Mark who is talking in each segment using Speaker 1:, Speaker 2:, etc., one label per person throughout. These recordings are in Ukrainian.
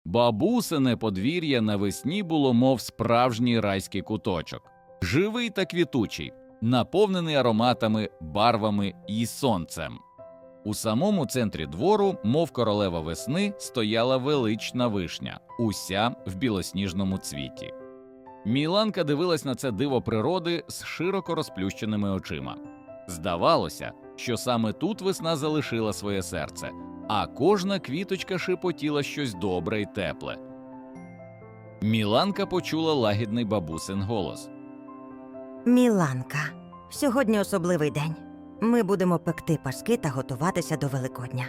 Speaker 1: Бабусине подвір'я навесні було мов справжній райський куточок. Живий та квітучий, наповнений ароматами, барвами і сонцем. У самому центрі двору, мов королева весни, стояла велична вишня, уся в білосніжному цвіті. Міланка дивилась на це диво природи з широко розплющеними очима. Здавалося, що саме тут весна залишила своє серце, а кожна квіточка шепотіла щось добре й тепле. Міланка почула лагідний бабусин голос.
Speaker 2: Міланка, сьогодні особливий день. Ми будемо пекти паски та готуватися до Великодня.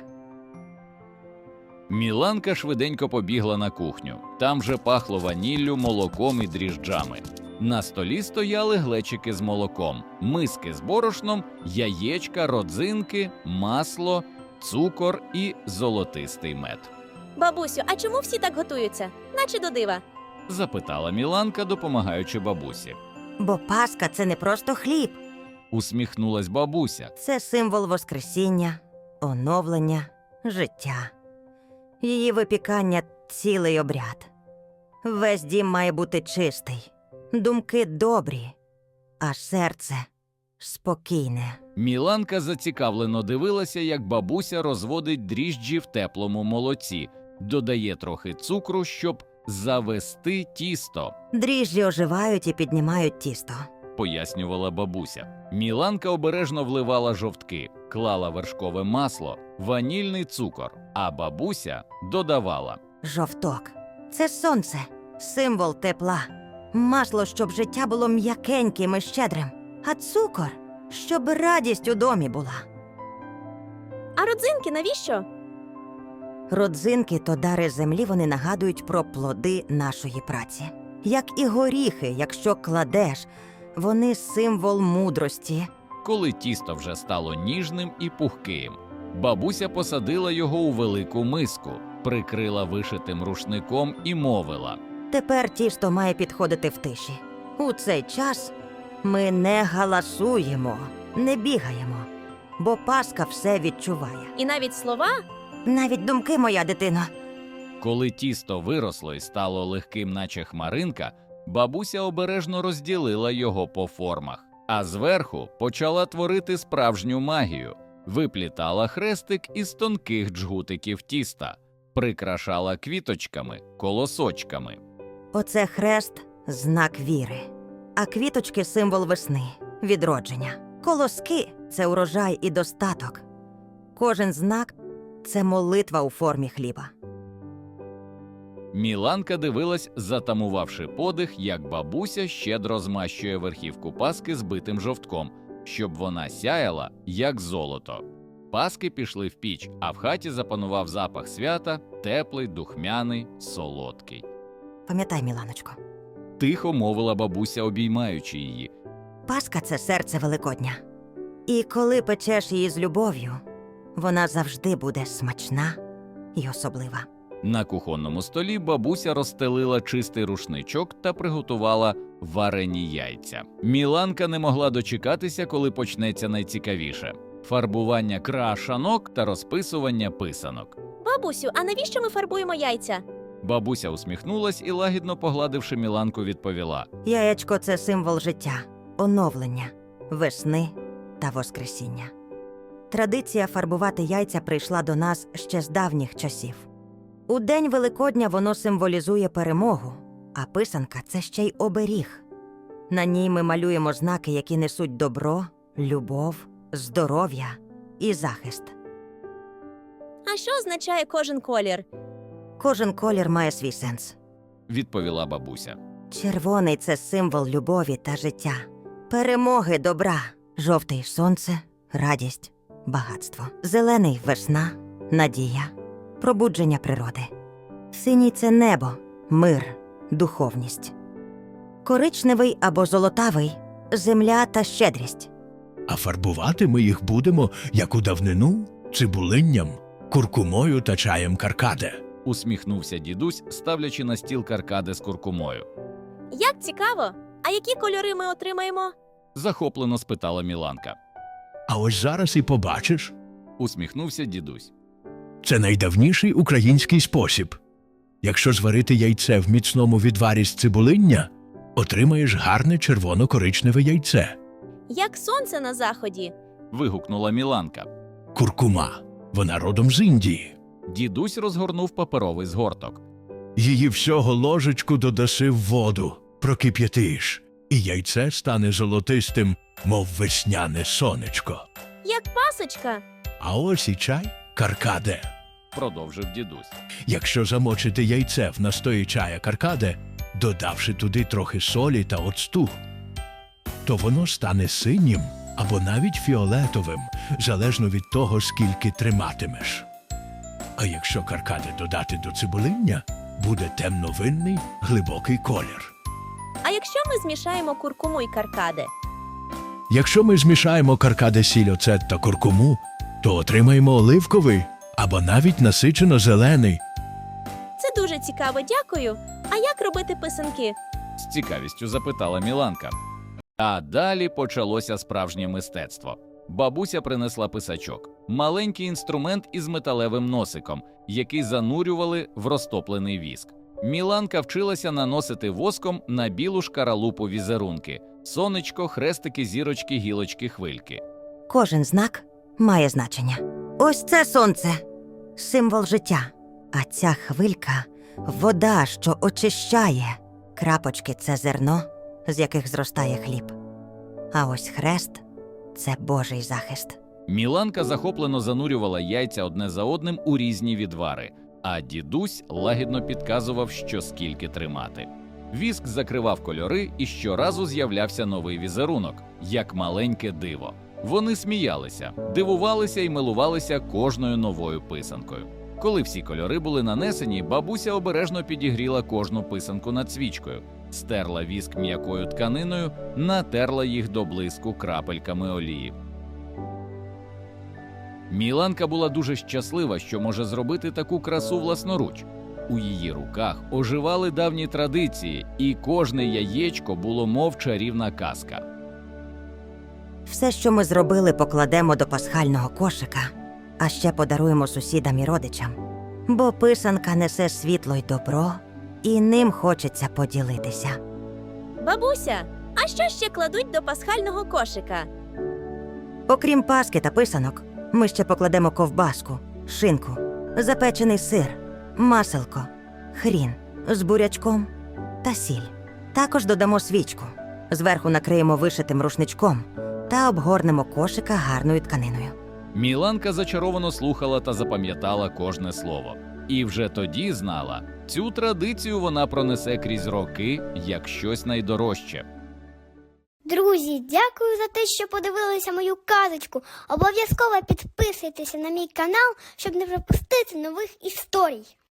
Speaker 1: Міланка швиденько побігла на кухню. Там же пахло ваніллю, молоком і дріжджами. На столі стояли глечики з молоком, миски з борошном, яєчка, родзинки, масло, цукор і золотистий мед.
Speaker 3: Бабусю, а чому всі так готуються? Наче до дива.
Speaker 1: Запитала Міланка, допомагаючи бабусі.
Speaker 2: Бо Пасха – це не просто хліб.
Speaker 1: Усміхнулась бабуся.
Speaker 2: Це символ Воскресіння, оновлення, життя. Її випікання – цілий обряд. Весь дім має бути чистий, думки добрі, а серце спокійне.
Speaker 1: Міланка зацікавлено дивилася, як бабуся розводить дріжджі в теплому молоці, додає трохи цукру, щоб завести тісто,
Speaker 2: Дріжджі оживають і піднімають тісто.
Speaker 1: пояснювала бабуся. Міланка обережно вливала жовтки, клала вершкове масло, ванільний цукор, а бабуся додавала.
Speaker 2: Жовток – це сонце, символ тепла. Масло, щоб життя було м'якеньким і щедрим. А цукор – щоб радість у домі була.
Speaker 3: А родзинки навіщо?
Speaker 2: Родзинки – то дари землі, вони нагадують про плоди нашої праці. Як і горіхи, якщо кладеш, вони – символ мудрості.
Speaker 1: Коли тісто вже стало ніжним і пухким, бабуся посадила його у велику миску, прикрила вишитим рушником і мовила.
Speaker 2: Тепер тісто має підходити в тиші. У цей час ми не галасуємо, не бігаємо, бо Пасха все відчуває.
Speaker 3: І навіть слова?
Speaker 2: Навіть думки, моя дитино.
Speaker 1: Коли тісто виросло і стало легким, наче хмаринка, бабуся обережно розділила його по формах, а зверху почала творити справжню магію. Виплітала хрестик із тонких джгутиків тіста, прикрашала квіточками, колосочками.
Speaker 2: Оце хрест – знак віри, а квіточки – символ весни, відродження. Колоски – це урожай і достаток. Кожен знак – це молитва у формі хліба.
Speaker 1: Міланка дивилась, затамувавши подих, як бабуся щедро змащує верхівку паски збитим жовтком, щоб вона сяяла, як золото. Паски пішли в піч, а в хаті запанував запах свята, теплий, духмяний, солодкий.
Speaker 2: Пам'ятай, Міланочко,
Speaker 1: Тихо мовила бабуся, обіймаючи її.
Speaker 2: Пасха – це серце Великодня. І коли печеш її з любов'ю, вона завжди буде смачна і особлива.
Speaker 1: На кухонному столі бабуся розстелила чистий рушничок та приготувала варені яйця. Міланка не могла дочекатися, коли почнеться найцікавіше – фарбування крашанок та розписування писанок.
Speaker 3: Бабусю, а навіщо ми фарбуємо яйця?
Speaker 1: Бабуся усміхнулась і, лагідно погладивши Міланку, відповіла.
Speaker 2: Яєчко – це символ життя, оновлення, весни та воскресіння. Традиція фарбувати яйця прийшла до нас ще з давніх часів. У День Великодня воно символізує перемогу, а писанка – це ще й оберіг. На ній ми малюємо знаки, які несуть добро, любов, здоров'я і захист.
Speaker 3: А що означає кожен колір?
Speaker 2: Кожен колір має свій сенс.
Speaker 1: Відповіла бабуся.
Speaker 2: Червоний – це символ любові та життя, перемоги добра. Жовтий – сонце, радість, багатство. Зелений – весна, надія, пробудження природи. Синій – це небо, мир, духовність. Коричневий або золотавий – земля та щедрість.
Speaker 4: А фарбувати ми їх будемо, як у давнину, цибулинням, куркумою та чаєм каркаде.
Speaker 1: Усміхнувся дідусь, ставлячи на стіл каркаде з куркумою.
Speaker 3: Як цікаво! А які кольори ми отримаємо?
Speaker 1: Захоплено спитала Міланка.
Speaker 4: А ось зараз і побачиш.
Speaker 1: Усміхнувся дідусь.
Speaker 4: Це найдавніший український спосіб. Якщо зварити яйце в міцному відварі з цибулиння, отримаєш гарне червоно-коричневе яйце.
Speaker 3: Як сонце на заході.
Speaker 1: Вигукнула Міланка.
Speaker 4: Куркума. Вона родом з Індії.
Speaker 1: Дідусь розгорнув паперовий згорток.
Speaker 4: Її всього ложечку додаси в воду, прокип'ятиш, і яйце стане золотистим, мов весняне сонечко.
Speaker 3: Як пасочка.
Speaker 4: А ось і чай каркаде.
Speaker 1: Продовжив дідусь.
Speaker 4: Якщо замочити яйце в настої чая каркаде, додавши туди трохи солі та оцту, то воно стане синім або навіть фіолетовим, залежно від того, скільки триматимеш. А якщо каркаде додати до цибулиння, буде темновинний, глибокий колір.
Speaker 3: А якщо ми змішаємо куркуму й каркаде?
Speaker 4: Якщо ми змішаємо каркаде, сіль, оцет та куркуму, то отримаємо оливковий або навіть насичено-зелений.
Speaker 3: Це дуже цікаво, дякую. А як робити писанки?
Speaker 1: З цікавістю запитала Міланка. А далі почалося справжнє мистецтво. Бабуся принесла писачок – маленький інструмент із металевим носиком, який занурювали в розтоплений віск. Міланка вчилася наносити воском на білу шкаралупу візерунки – сонечко, хрестики, зірочки, гілочки, хвильки.
Speaker 2: Кожен знак має значення. Ось це сонце – символ життя. А ця хвилька – вода, що очищає. Крапочки – це зерно, з яких зростає хліб. А ось хрест – це Божий захист.
Speaker 1: Міланка захоплено занурювала яйця одне за одним у різні відвари, а дідусь лагідно підказував, що скільки тримати. Віск закривав кольори, і щоразу з'являвся новий візерунок, як маленьке диво. Вони сміялися, дивувалися і милувалися кожною новою писанкою. Коли всі кольори були нанесені, бабуся обережно підігріла кожну писанку над свічкою, стерла віск м'якою тканиною, натерла їх до блиску крапельками олії. Міланка була дуже щаслива, що може зробити таку красу власноруч. У її руках оживали давні традиції, і кожне яєчко було мов чарівна казка.
Speaker 2: Все, що ми зробили, покладемо до пасхального кошика, а ще подаруємо сусідам і родичам. Бо писанка несе світло й добро, і ним хочеться поділитися.
Speaker 3: Бабуся, а що ще кладуть до пасхального кошика?
Speaker 2: Окрім паски та писанок, ми ще покладемо ковбаску, шинку, запечений сир, маселко, хрін з бурячком та сіль. Також додамо свічку, зверху накриємо вишитим рушничком та обгорнемо кошика гарною тканиною.
Speaker 1: Міланка зачаровано слухала та запам'ятала кожне слово. І вже тоді знала, цю традицію вона пронесе крізь роки як щось найдорожче.
Speaker 5: Друзі, дякую за те, що подивилися мою казочку. Обов'язково підписуйтеся на мій канал, щоб не пропустити нових історій.